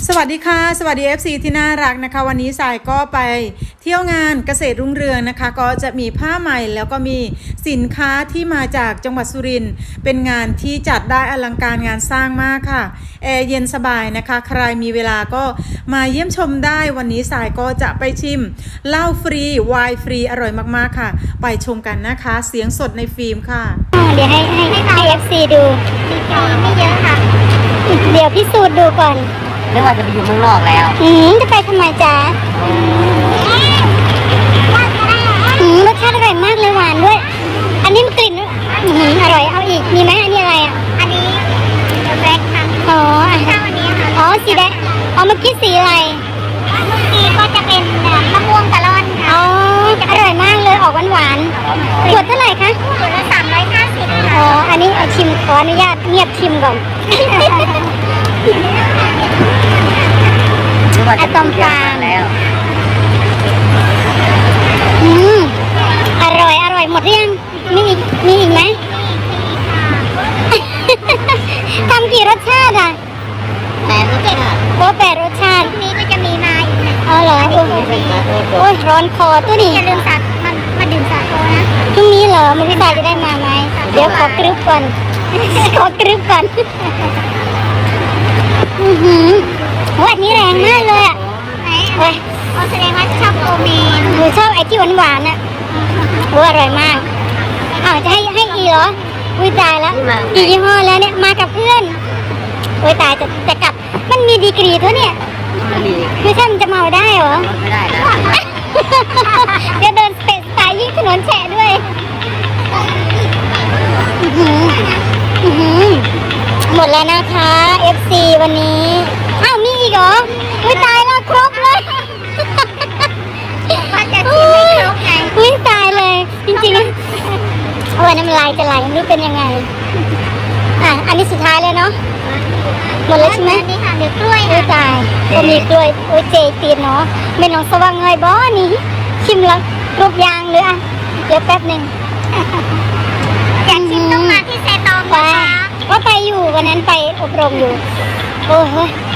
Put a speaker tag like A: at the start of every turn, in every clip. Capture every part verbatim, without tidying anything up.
A: สวัสดีค่ะสวัสดี เอฟ ซี ที่น่ารักนะคะวันนี้สายก็ไปเที่ยวงานเกษตรรุ่งเรืองนะคะก็จะมีผ้าใหม่แล้วก็มีสินค้าที่มาจากจังหวัดสุรินทร์เป็นงานที่จัดได้อลังการงานสร้างมากค่ะแอร์เย็นสบายนะคะใครมีเวลาก็มาเยี่ยมชมได้วันนี้สายก็จะไปชิมเหล้าฟรีไวน์ฟรีอร่อยมากๆค่ะไปชมกันนะคะเสียงสดในฟิล์มค่ะ
B: เดี๋ยวให้ให้ให้ เอฟ ซี ดูไม่เยอะค่ะเดี๋ยวพิสูจน์ดูก่อน
C: นึกว่าจะไปอยู่เมืองนอกแล้ว
B: อืมจะไปทำไมจ๊ะอืมรสชาติอร่อยมากเลยหวานด้วยอันนี้มันกลิ่นอืมอร่อยเอาอีกมีไหมอันนี้อะไรอ่ะอันนี้แบล็คค่ะอ๋อข้าวอันนี้ค่ะอ๋อสีแดงอ๋อเมื่อกี้สีอะไรเมื่อกี้ก็จะเป็นมะม่วงกะล่อนค่ะอ๋ออร่อยมากเลยออกหวานๆขวดเท่าไหร่คะขวดละสามร้อยห้าสิบอ๋ออันนี้เอาชิมขออนุญาตเงียบชิมก่อนอะตอมฟางแล้วอืมอร่อยอร่อยหมดหรือยังมีอีกมีอีกไหมทำกี่รสชาติอ่ะแปดรสชาติโอ้แปดรสชาตินี้ก็จะมีมาอีกนะอ๋อเหรอโอ้ยร้อนคอตัวนี้อย่าลืมสัตว์มันมาดื่มสาโทนะพรุ่งนี้เหรอมันพี่ตาจะได้มาไหมเดี๋ยวขอกรึบก่อนขอกรึบก่อนอือหือวันนี้แรงมากเลยอ่ะไหนอ๋อแสดงว่าชอบโอเมนหนูชอบไอ้ที่หวานหวานอ่ะโอ้อร่อยมากอ้าวจะให้ให้อีเหรออุ้ยตายแล้วกี่ยี่ห้อแล้วเนี่ยมากับเพื่อนโอ้ยตายจะจะกลับมันมีดีกรีเท่าเนี่ยไม่ใช่มันจะเมาได้เหรอไม่ได้แล้วเดี๋ยวเดินสเปซสายยิ่งถนนแฉะด้วยอือหืออือหือหมดแล้วนะคะ เอฟ ซี วันนี้อ้าวมีอีกเหรออุ้ยตายแล้วครบเลยว่าจะชิมไม่ครบไงอุ้ยตายเลยจริงๆโอ้ยน้ำลายจะไหลไม่รู้เป็นยังไงอ่ะอันนี้สุดท้ายเลยเนาะหมดแล้วใช่ไหมนี่ค่ะเดี๋ยวกล้วยอุ้ยตายก็มีกล้วยโอ้ยเจตีนเนาะไม่น้องสว่างเงยบ่นี่ชิมแล้วครบยางเลยอ่ะเดี๋ยวแป๊บหนึ่งอยากชิมต้องมาที่เซตองนะคะว่าไปอยู่วันนั้นไปอบรมอยู่โอ้โห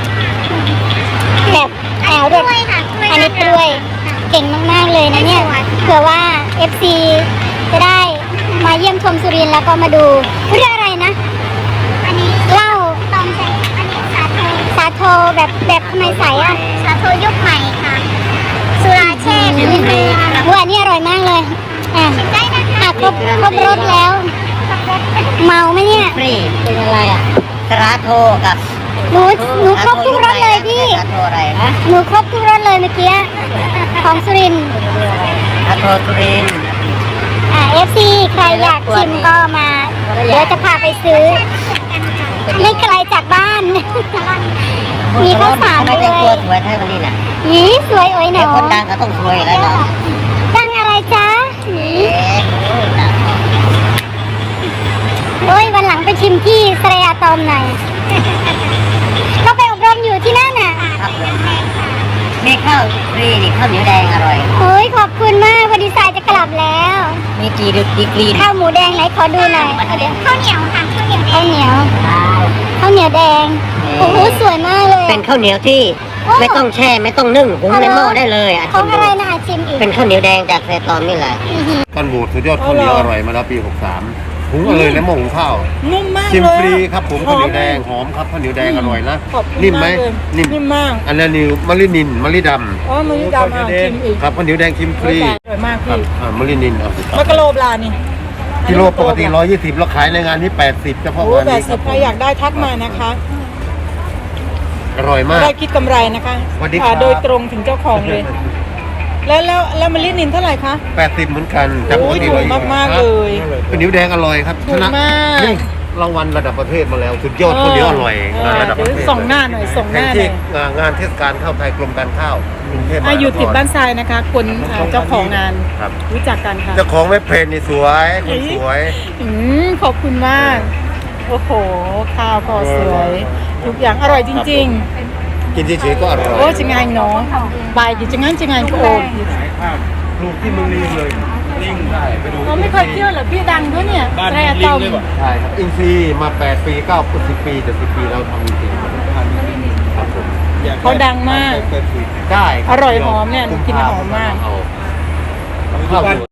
B: แบบแอลด้วยอันนี้กล้วยเก่งมากๆเลยนะเนี่ยเผื่อว่า เอฟ ซี จะได้มาเยี่ยมชมสุรินทร์แล้วก็มาดูเรื่องอะไรนะอันนี้เหล้าตองใส่อันนี้สาโทสาโทแบบแบบทำไมใสอ่ะสาโทยุคใหม่ค่ะสุราเช่พื้นเมืองว่าอันนี้อร่อยมากเลยอ่ะอ่ะครบครบรสแล้วเมาไหมเนี่ย
C: นี่เป็นอะไรอ่ะสาโทกับ
B: หนูหนูครบทุกรสเลยพี่หนูครบทุกรสเลยเมื่อกี้ของสุรินทร์
C: สาโทสุรินทร์
B: อ่า เอฟ ซี ใครอยากชิมก็มาเดี๋ยวจะพาไปซื้อไม่ไกลจากบ้านมีข้าวสารด้วย
C: ไม่ได้ตัวสวยเท่านี้แหละ
B: นี่สวยโอ้ยหนู
C: คนดังก็ต้องสวยแล้วเนาะ
B: ดังอะไรจ๊ะโอ้ยวันหลังไปชิมที่สระยาตอมหน่อยก็ไปอบรมอยู่ที่นั่นน่ะ
C: มีข้าวฟรีนี่ข้าวเหนียวแดงอร่อย
B: โอ้ยขอบคุณมากวันดีไซน์จะกลับแล้ว
C: มีกี่ดึกดีกรี
B: ข้าวหมูแดงไหนขอดูหน่อยข้าวเหนียวค่ะข้าวเหนียวข้าวเหนียวแดงโอ้โหสวยมากเลย
C: เป็นข้าวเหนียวที่ไม่ต้องแช่ไม่ต้องนึ่งหุงในหม้อได้เลยอ่ะ
B: ของอะไรนะชิมอีก
C: เป็นข้าวเหนียวแดงจากเซตอมนี่แหละ
D: กันบูดสุดยอดข้าวเหนียวอร่อยมาแล้วปีหกสามหุงกันเลยในหม้อหุงข้าว
A: นุ่มมาก
D: ชิมฟรีครับผมข้าวเหนียวแดงหอมครับข้าวเหนียวแดงอร่อยนะนิ่มไหม
A: นิ่มมาก
D: อันนี้นิวมะลินินมะลิดำ
A: อ๋อมะลิดำอ่ะชิมอีก
D: ครับข้าวเหนียวแดงชิมฟรี
A: อร่อยมากพี่
D: อ่ามะลินินเอา
A: มะกะโลปลานี่
D: กิโลปกติร้อยยี่สิบเราขายในงานนี้แปดสิบเฉพาะงานนี้
A: ครับใครอยากได้ทักมานะคะ
D: อร่อยมาก
A: ได้คิดกำไรนะคะค่ะโดยตรงถึงเจ้าของเลยแล้วแล้วแล้วมะลินินเท่าไหร่คะ
D: แปดสิบเหมือนกัน
A: จากปกติร้อยมากมากเลย
D: ข้าวเหนียวแดงอร่อยครับชนะรางวัลระดับประเทศมาแล้วสุดยอดข้าวเหนียวอร่อยงานระดับประเทศ
A: ส่งหน้าหน่อยส่งหน้าหน่อย
D: งานเทศกาลข้าวไทยกรมการข้าวกรุงเทพมหานคร
A: อยู่ติดบ้านทรายนะคะคนเจ้าของงานรู้จักกันค่ะ
D: เจ้าของเว็บเพจนี่สวยคนสวย
A: ขอบคุณมากโอ้โหข้าวก็สวยทุกอย่างอร่อยจริงๆ
D: กินเฉยๆก็อร่อย
A: โอ้จะไงเนาะบายกินจะงั้นจะไงก็โอ้
D: ลูกที่มึงลิงเลยลิงได้ไปดู
A: เราไม่เคยเที่ยวเหรอพี่ดังด้วยเนี่ย
D: บ้านลิงด้วยป่ะใช่ครับอินซีมาแปดปีเก้าสิบปีจะสิบปีเราทำอินซีครับผมอยาก
A: เขาดังมาก
D: ได้
A: อร่อยหอมเนี่ยหนูกินหอมมาก
D: เอาเข้า